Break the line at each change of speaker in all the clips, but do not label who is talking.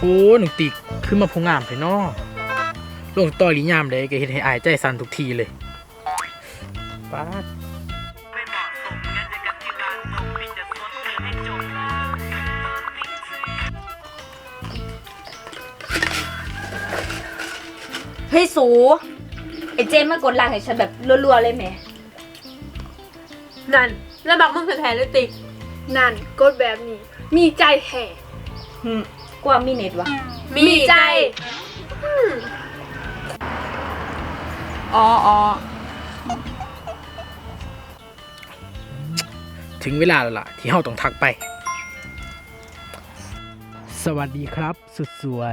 หนึ่งติกขึ้นมาพงงามไปเนาะลงต่อหลียามเลยก็เห็นให้อายใจสั่นทุกทีเลยป๊าด
เฮ้ยสูไอเจมมากดไลค์ให้ฉันแบบรัวๆเลยแหม
นั่นแล้วบักมึงแท้ๆเลยตินั่นกดแบบนี้มีใจแห่
กว่ามีเน็ตวะ
มีใจ
อ๋อ
ถึงเวลาแล้วล่ะที่เฮาต้องทักไปสวัสดีครับสุดสวย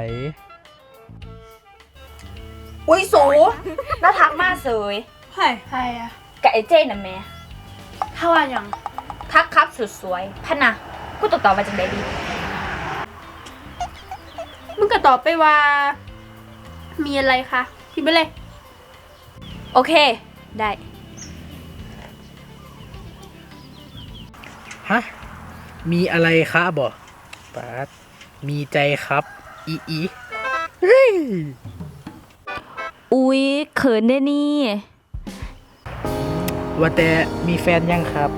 อุ้ยสูน่าทักมากเสย
ใช่อะ
กับไอเจน่ะแม่
ถ้าว่าอย่าง
ทักครับสุดสวยพันนะกูตอบมาจังไดดี
มึงก็ตอบไปว่า มีอะไรคะพิมพ์ไปเลย
โอเคได้
ฮะมีอะไรคะบ่ป๊าดมีใจครับอีเฮ้ย
อุ๊ยเขินได้นี่
ว่าแต่มีแฟนยังครับ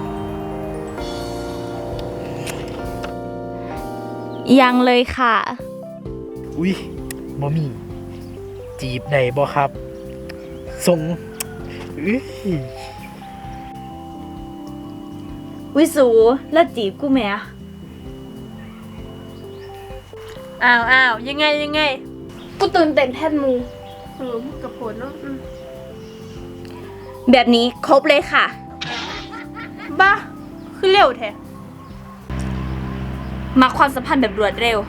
ยังเลยค่ะ
อุ้ยบ่มีจีบได้บ่ครับส่งอื้อ
วิสูแล้วจีบกูแม่
อ้าวยังไงกูตื่นเต้นแทนมูมึงกับผลเนาะ
แบบนี้ครบเลยค่ะ
บ้าคือเร็วแท้
มาความสัมพันธ์แบบรวดเร็ว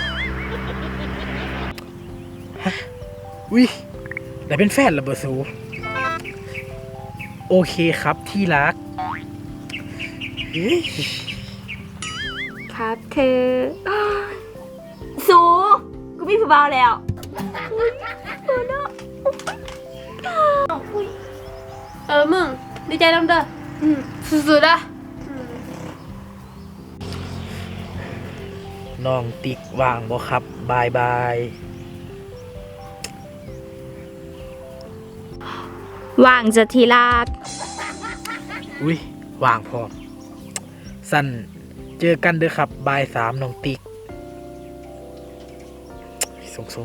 อุ้ยได้เป็นแฟนแล้วบ่สูโอเคครับที่รักเฮ้ย
ครับเธอ สูกูมีผู้บ่าวแล้ว
มึงดีใจน้ำเด้อสุดๆอะ
น้องติ๊กว่างบ่ครับบายบาย
ว่างจะทีรัก
อุ้ยว่างพอสั้นเจอกันเด้อครับบ่าย3น้องติ๊กส่ง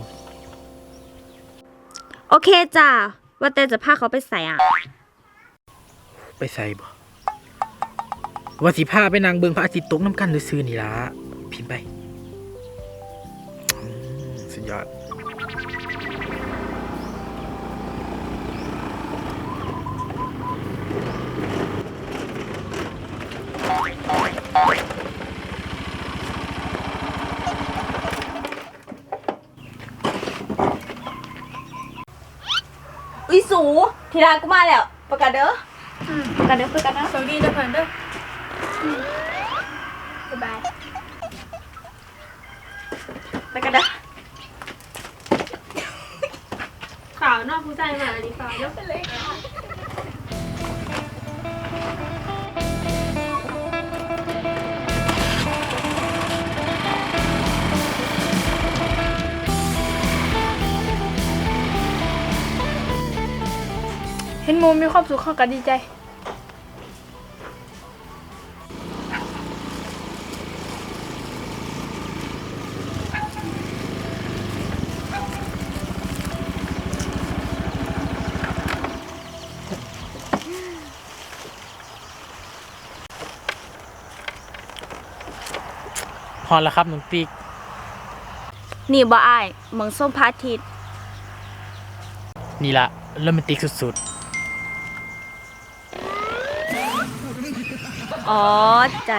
โอเคจ้าว่าแต่จะพาเขาไปใส่อ่ะ
ไปใส่บ่ว่าสิพาไปนางเบิงพระอาทิตย์ตกน้ำกันซื่อๆนี่ล่ะพิมพ์ไปสุดยอด
อุ้ยสูทีรักกูมาแล้ว ประกาศเด้อประกาศเด้อประกาศนะ
สวัสดีเด้อเพื่อนเด้อบ๊ายบาย
ประกาศเด้อ
ข่าวนอกผู้ใจมาอันนี้ข่าวยกไปเลยเห็นโมมีความสุขเข้ากันดีใจ
พอแล้วครับน้องติ๊ก
นี่บ่อายเมืองส้มพระอาทิตย์
นี่ล่ะโรแมนติกสุด
อ๋อจ้า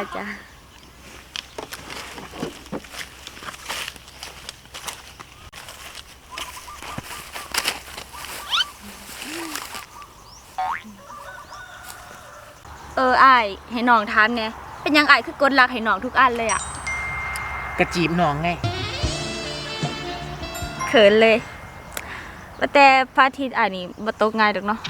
อายให้น้องถามเนี่ยเป็นยังอายคือกดลักให้น้องทุกอันเลยอ่ะ
กระจีบน้องไง
เขินเลยว่าแต่พระอาทิตย์อันนี้บ่ตกง่ายดอกเนาะ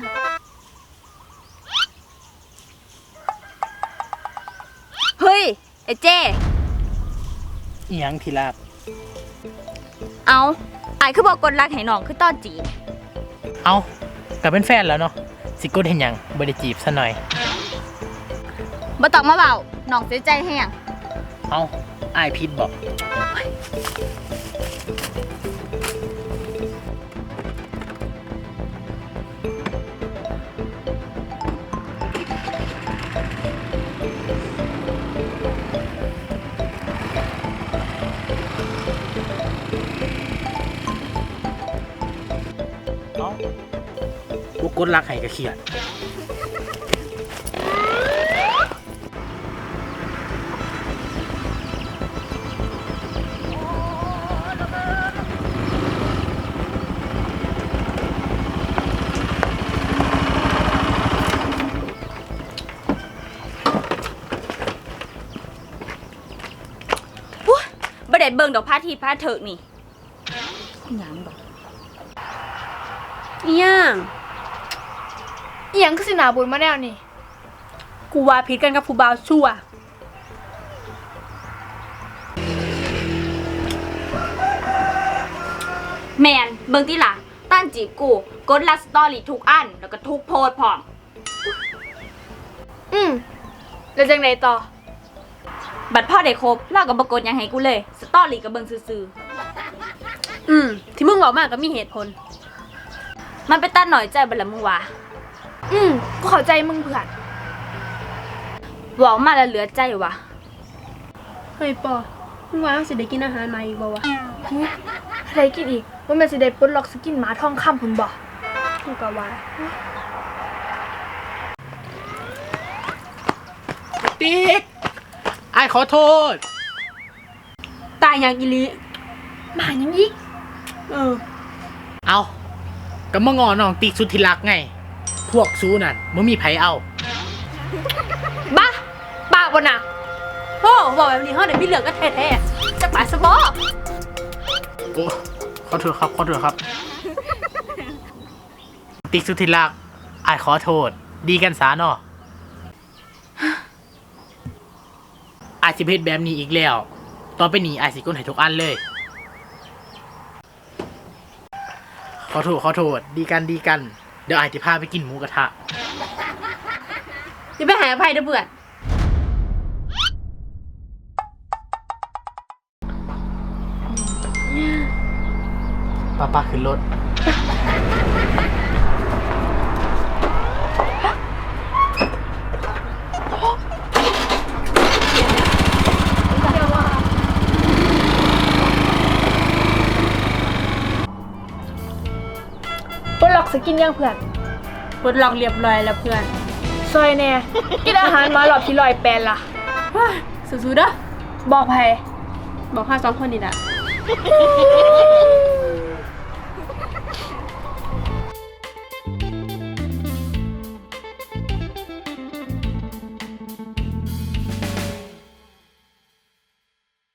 เฮ้ยไอ้เจ้
อีหยังที่รัก
เอาอายคือบอกกดรักให้น้องคือต้อนจีบ
เอากลับเป็นแฟนแล้วเนาะสิกดเห็นหยังบ่ได้จีบซะหน่อย
บ่ต้องมาเบาน้องเสียใจแห้ง
เอาอายผิดบอก เอาบ่กดรักให้ก็เครียด
บ่ได้เบิ่งดอกพระอาทิตย์พระเถิกนี่หยังดอก
อีหยัง
อีหยังคือสิหนาบุญมาแนวนี่
กูว่าผิดกันกับผู้บ่าวชั่ว
แมนเบิ่งติล่ะต้านจีบกูกดรักสตอรี่ทุกอันแล้วก็ทุกโพสต์พร้อม
แล้วจังไดต่อ
บัดพ่อได้ครบเราก็บ่กดหยังให้กูเลยสตอรี่ก็เบิ่งซื่อ
ที่มึงบอกมากก็มีเหตุผล
ๆมันไปตัดหน่อยใจบ่ละมึงว่า
กูเข้าใจมึงเพื่อน
เว้ามาแล้วเหลือใจวะ
เฮ้ยปอมึงว่าเราสิได้กินอาหารใหม่อีกบ่วะ
อะไรกินอีกว่าแม่นสิได้ปลดล็อกสกินหมาทองคำพุ่นบ่
กูก็ว่า
ติ๊กอายขอโทษ
ตายอย่างอีหลี
หมายังอีก
เอาก็มางอน้องติ๊กสุดที่รักไง พวกซูนั่นบ่มีไผเอา
บ้าปากบ่น่ะโอ้บอกแบบนี้เฮาได้มีเหลืองก็แท้ๆจักปากซะบ่
โอ้ขอโทษครับ ขอโทษครับ ติ๊กสุดที่รักอายขอโทษ ดีกันสาเนาะอายสิเพชแบบนี้อีกแล้วต่อไปนี้อายสิกดให้ทุกอันเลย ขอโทษ ขอโทษ ดีกัน ดีกัน เดี๋ยวอายจะพาไปกินหมูกระทะ
อย่าไปหาอภัยเด้อเพื่อน
ป้าขึ้นรถ
ปลดล็อกสกินยังเพื่อน
ปลดล็อกเรียบร้อยแล้วเพื่อน
ซอยแน่ กินอาหารหมาหลอดที่108ล่ะ
สู้ๆเด้อ
บอกไผ
บอกข้า2คนนี่ล่ะ